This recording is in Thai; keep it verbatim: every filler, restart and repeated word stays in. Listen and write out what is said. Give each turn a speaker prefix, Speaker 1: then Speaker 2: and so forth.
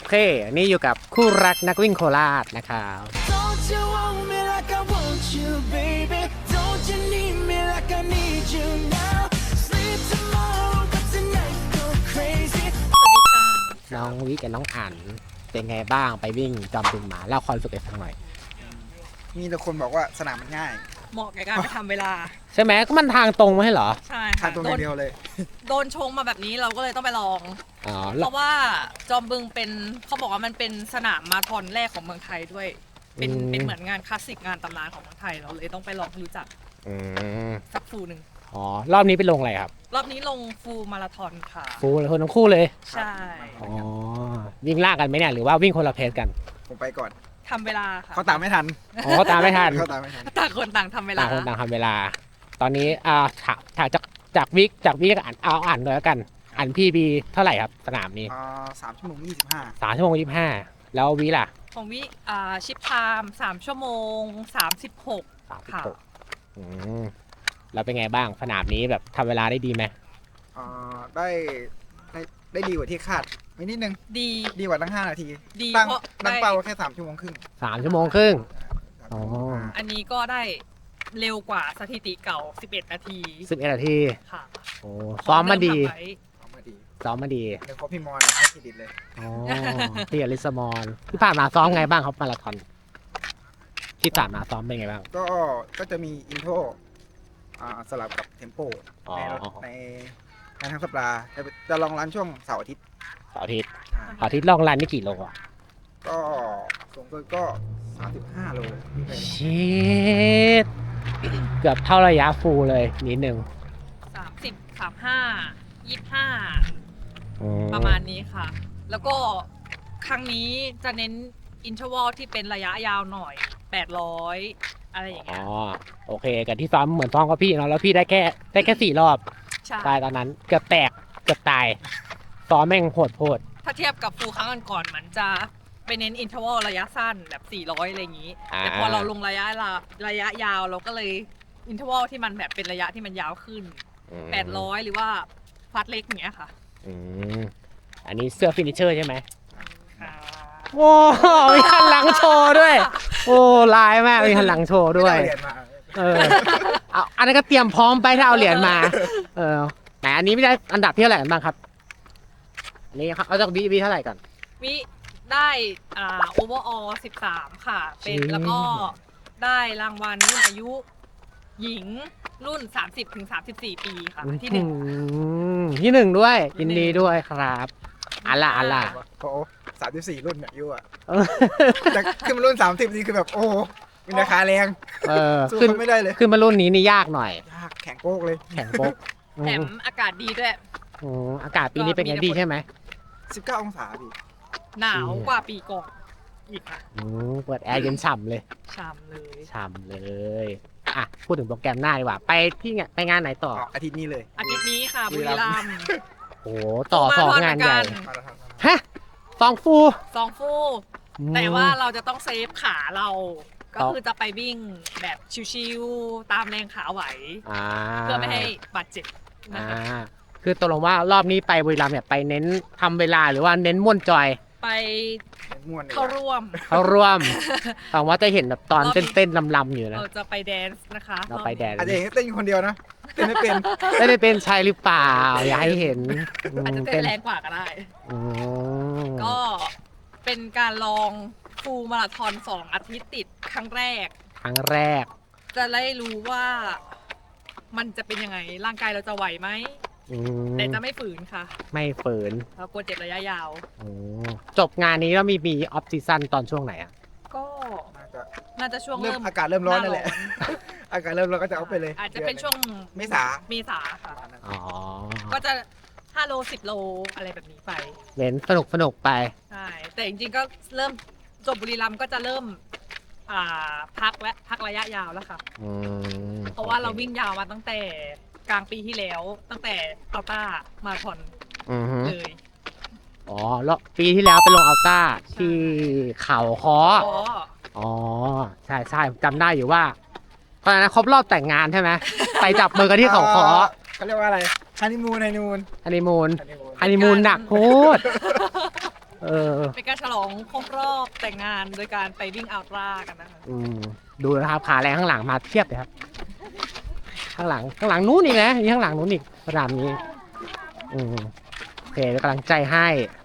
Speaker 1: เค นี่อยู่กับคู่รักนักวิ่งโคราชนะครับ
Speaker 2: Don't you want me like I want you, baby? Don't you need me like I need you now? Sleep tomorrow, but tonight go crazy.
Speaker 1: น้องวิกับน้องอั๋นเป็นไงบ้างไปวิ่งจอมบึงมาเล่าความรู้สึกให้ฟังหน่อย
Speaker 3: มีแต่คนบอกว่าสนามมันง่าย
Speaker 4: เหมาะกับการไปทำเวลา
Speaker 1: ใช่ไหมก็มันทางตรงไม่ใช่เหรอ
Speaker 4: ใช่
Speaker 3: ทา
Speaker 4: ค่ะ
Speaker 3: งตรง
Speaker 4: โด
Speaker 3: อน ย่างเดียวเลย
Speaker 4: โดนชงมาแบบนี้เราก็เลยต้องไปลอง
Speaker 1: อ๋อ
Speaker 4: เพ
Speaker 1: แล้ว
Speaker 4: ราะว่าจอมบึงเป็นเขาบอกว่ามันเป็นสนามมาราธอนแรกของเมืองไทยด้วย เป็น
Speaker 1: อืม
Speaker 4: เป็นเหมือนงานคลาสสิกงานตำนานของเมืองไทยเราเลยต้องไปลองให้รู้จัก
Speaker 1: อืม
Speaker 4: สักฟูหนึ่ง
Speaker 1: อ๋อรอบนี้ไปลงอะไรครับ
Speaker 4: รอบนี้ลงฟูมาราธอนค่ะ
Speaker 1: ฟูเลยคนทั้งคู่เลย
Speaker 4: ใช่
Speaker 1: อ๋อวิ่งลากกันไหมเนี่ยหรือว่าวิ่งคนละเพจกัน
Speaker 3: ผมไปก่อน
Speaker 4: ทำเวลาค่ะ
Speaker 3: เขาตามไม่ทัน
Speaker 1: อ๋อเขาตามไม่ทัน
Speaker 3: เขาตามไม่ทัน
Speaker 4: ต่างคนต่างทำเวลา
Speaker 1: ต่างคนต่างทำเวลา ตอนนี้อ่าถาถาจากจากวิกจากวิกกับอันเอาอ่านเลยแล้วกันอันพี่บีเท่าไหร่ครับสนามนี้
Speaker 3: อ่าสามชั่วโมงยี่สิบห้า
Speaker 1: สามชั่วโมงยี่สิบห้าแล้ววิล่ะ
Speaker 4: ของวิอ่าชิปไทม์สามชั่วโมงสามสิบหก
Speaker 1: สามสิบ
Speaker 4: ค่ะ
Speaker 1: หกอืมแล้วเป็นไงบ้างสนามนี้แบบทำเวลาได้ดีไหม
Speaker 3: อ่าได้ได้ได้ดีกว่าที่คาดไม่นิดนึง
Speaker 4: ดี
Speaker 3: ดีกว่าตั้งห้านาที
Speaker 4: ดี
Speaker 3: ตั้ง
Speaker 4: เพราะ
Speaker 3: ตั้ง
Speaker 4: ได้
Speaker 3: เป้าแค่สามชั่วโมงครึ่ง
Speaker 1: สามชั่วโมงครึ่ง
Speaker 3: สาม
Speaker 1: อ๋อ
Speaker 3: ชั่วโมงห้า
Speaker 4: อันนี้ก็ได้เร็วกว่าสถิติเก่า สิบเอ็ด นาที
Speaker 1: สิบเอ็ดนาที
Speaker 4: ค่ะ
Speaker 1: โอ้ซ้อมมาดี
Speaker 4: เริ่ทำไว้
Speaker 3: เอามาดี
Speaker 1: ซ้อมมาดี
Speaker 3: เดี๋ยวเขาพี่มอนให้เครดิตเลย
Speaker 1: อ๋อพี่อลิสมอนที่ผ่านมาซ้อมไงบ้างครับมาราธอนที่ผ่านมาซ้อมเป็นไงบ้าง
Speaker 3: ก็ก็จะมีอินโทรอ่าสลับกับเทมโป
Speaker 1: อ๋อ
Speaker 3: ในในในทั้งสัปดาห์จะจะลองรันช่วงเสาร์อาทิตย์
Speaker 1: เสาร์อาทิตย์
Speaker 3: อ่า
Speaker 1: เสาร์อาทิตย์ลองรันนี่กี่โลอ่ะ
Speaker 3: ก็สูงสุดก็สามสิบห้าโลที่ไป
Speaker 1: ชิดเกือบเท่าระยะฟูลเลยนิดนึง
Speaker 4: สามสิบ สามสิบห้า ยี่สิบห้า
Speaker 1: อื
Speaker 4: ประมาณนี้ค่ะ แล้วก็ครั้งนี้จะเน้นอินเทอร์วลที่เป็นระยะยาวหน่อย แปดร้อย อะไรอย่าง
Speaker 1: อ๋
Speaker 4: เงี้
Speaker 1: อย โอเคกับที่ซ้อมเหมือนซ้อมกับพี่เนาะแล้วพี่ได้แค่ได้แค่สี่รอบ
Speaker 4: ใช่
Speaker 1: ตายตอนนั้นเกือบแตกเกือบตายซ้อมแม่งโหดโหด
Speaker 4: ถ้าเทียบกับฟูลครั้งก่อนๆมันจะไปเน้นอินเทอร์วลระยะสั้นแบบ สี่ร้อย อะไรอย่างนี้ แต่พอเราลงระยะละระยะยาวเราก็เลยอินเทอร์วลที่มันแบบเป็นระยะที่มันยาวขึ้น
Speaker 1: อืม
Speaker 4: แปดร้อย หรือว่าฟัดเล็กอย่างเงี้ยค่ะ
Speaker 1: อืมอันนี้เสื้อฟินิชเชอร์ใช่ไหม
Speaker 4: อ่า
Speaker 1: โอ้มีหันหลังโชว์ด้วย โอ้ลายมากมีหันหลังโชว์ด้วย
Speaker 3: ไม่ไเอาเหรียญมา
Speaker 1: เออเอาอันนั้นก็เตรียมพร้อมไปถ้าเอาเหรียญมา เออไหนอันนี้ไม่ได้อันดับที่เท่าไหร่กันบ้างครับอันนี้ครับเอาจากบีบีเท่าไหร่ก่อน
Speaker 4: วิได้อ่าโอเวอร์ออสิบสามค่ะ เป็น
Speaker 1: จริง
Speaker 4: แล้วก็ได้รางวัลรุ่นอายุหญิงรุ่น สามสิบถึงสามสิบสี่ ปีค่ะ ที่หนึ่ง
Speaker 1: อืมที่หนึ่งด้วยยินดีด้วยครับอันละอันละ
Speaker 3: โอ้สามสิบสี่รุ่นเนี่ยอายุอ่ะ
Speaker 1: เออ
Speaker 3: แต่ขึ้นมารุ่นสามสิบนี่คือแบบโอ้โหมีราคาแรง
Speaker 1: เออ
Speaker 3: สู้
Speaker 1: ขึ้น
Speaker 3: เขาไม่ได้เลย
Speaker 1: ขึ้นมารุ่นนี้นี่ยากหน่อย
Speaker 3: ยากแข็งโป๊กเลย
Speaker 1: แข่งโป๊ก
Speaker 4: แถมอากาศดีด้วย
Speaker 1: อืมอากาศปีนี้เป็นไงดีใช่ไหม
Speaker 3: สิบเก้าองศาพี่
Speaker 4: หนาวกว่าปีก่อนอีกค่ะ
Speaker 1: อืมเปิดแอร์เย็นฉ่ำเลย
Speaker 4: ชามเลย
Speaker 1: ฉ่ำเลยอ่ะพูดถึงโปรแกรมหน้าดีกว่า ไปที่ไงไปงานไหนต่อ
Speaker 3: ออกอาทิตย์นี้เลย
Speaker 4: อาทิตย์นี้ค่ะ
Speaker 3: บุ
Speaker 4: บุ
Speaker 3: รี
Speaker 4: รี
Speaker 3: รั
Speaker 4: รั
Speaker 3: ม
Speaker 4: ม
Speaker 3: ย์
Speaker 4: ย์
Speaker 1: โอ้โหต่อ
Speaker 4: มา
Speaker 1: สอง
Speaker 4: ทอด
Speaker 1: งาน
Speaker 4: เหมือน
Speaker 1: ให
Speaker 4: กั
Speaker 1: ญ่
Speaker 4: น
Speaker 3: มาราธอน
Speaker 1: ฮะสองฟู
Speaker 4: สองฟู่แต่ว่าเราจะต้องเซฟขาเรา ก็คือจะไปวิ่งแบบชิวๆตามแรงขาไหว
Speaker 1: อ่า
Speaker 4: เพื่อไม่ให้บาดเจ็บนะ
Speaker 1: อ่า
Speaker 4: คะ
Speaker 1: คือตกลงว่ารอบนี้ไปบุรีรัมย์เนี่ยไปเน้นทำเวลาหรือว่าเน้นม่วนจอย
Speaker 4: ไป
Speaker 3: ม่วนเลย
Speaker 4: เข้าร่วม
Speaker 1: เขาร่วมหวังว่าจะเห็นแบบตอน
Speaker 4: รอบนี้
Speaker 1: เต้นๆลำๆอยู่นะ
Speaker 4: เราจะไปแดนซ์นะคะ
Speaker 1: เราไปแดน
Speaker 3: อาจจะเห็นเต้นอยู่คนเดียวนะเต้นไม่เป็น
Speaker 1: ไม่ได้เป็นชายหรือเปล่า อย่าให้เห็น
Speaker 4: อาจจะเต้นแรงกว่าก็ได้
Speaker 1: อืม
Speaker 4: ก็เป็นการลองฟูลมาราธอนสองอาทิตย์ติดครั้งแรก
Speaker 1: ครั้งแรก
Speaker 4: จะได้รู้ว่ามันจะเป็นยังไงร่างกายเราจะไหวไหม
Speaker 1: อืม
Speaker 4: แต่จะไม่ฝืนค่ะ
Speaker 1: ไม่ฝืน
Speaker 4: เรากลัวเจ็บระยะยาว
Speaker 1: อืมจบงานนี้แล้วมีมีออฟซีซันตอนช่วงไหนอ่ะ
Speaker 4: ก็
Speaker 3: น่าจะ
Speaker 4: น่าจะช่วง
Speaker 3: เริ่
Speaker 4: เริ่
Speaker 3: ม
Speaker 4: ม
Speaker 3: อากาศเริ่มร้อนนั่นแหละ
Speaker 4: า
Speaker 3: อากาศเริ่มร้อนก็จะเอาไปเลย
Speaker 4: อาจจะเป็นช่วง
Speaker 3: เมษา
Speaker 4: เมษาค่ะ
Speaker 1: อ๋อ
Speaker 4: ก็จะห้าโลสิบโลอะไรแบบนี้ไป
Speaker 1: เน้นสนุกสนุกไป
Speaker 4: ใช่ แต่จริงๆก็เริ่มจบบุรีรัมย์ก็จะเริ่มอ่าพักและพักระยะยาวแล้วค่ะ
Speaker 1: อืม
Speaker 4: เพราะว่าเราวิ่งยาวมาตั้งแต่กลางปีที่แล้ว ตั้งแต่อัลต้ามาราธอน
Speaker 1: อือฮึ
Speaker 4: เลย
Speaker 1: อ๋อแล้วปีที่แล้วไปลงอัลต้าที่เขาคอ
Speaker 4: อ๋อ
Speaker 1: อ๋อ ใช่ใช่จำได้อยู่ว่าตอนนั้นครบรอบแต่งงานใช่ไหม ไปจับมือกันที่เขาคอ
Speaker 3: เขาเรียกว่าอะไรฮันนีมูนฮันนีมูน
Speaker 1: ฮันนีมูน
Speaker 3: ฮันนีมูน
Speaker 1: ฮันนีมูนหนักโคตรโหเออ
Speaker 4: เป็นการฉลองครบรอบแต่งงานโดยการไปวิ่งอัลตร้ากันนะคะ
Speaker 1: อืมดูนะครับขาแรงข้างหลังมาเทียบเลยครับ ข้างหลังข้างหลังนู้นอีกนะนี่ข้างหลังนู้นอีกสนามนี้ อืมโอเคเป็นกำลังใจให้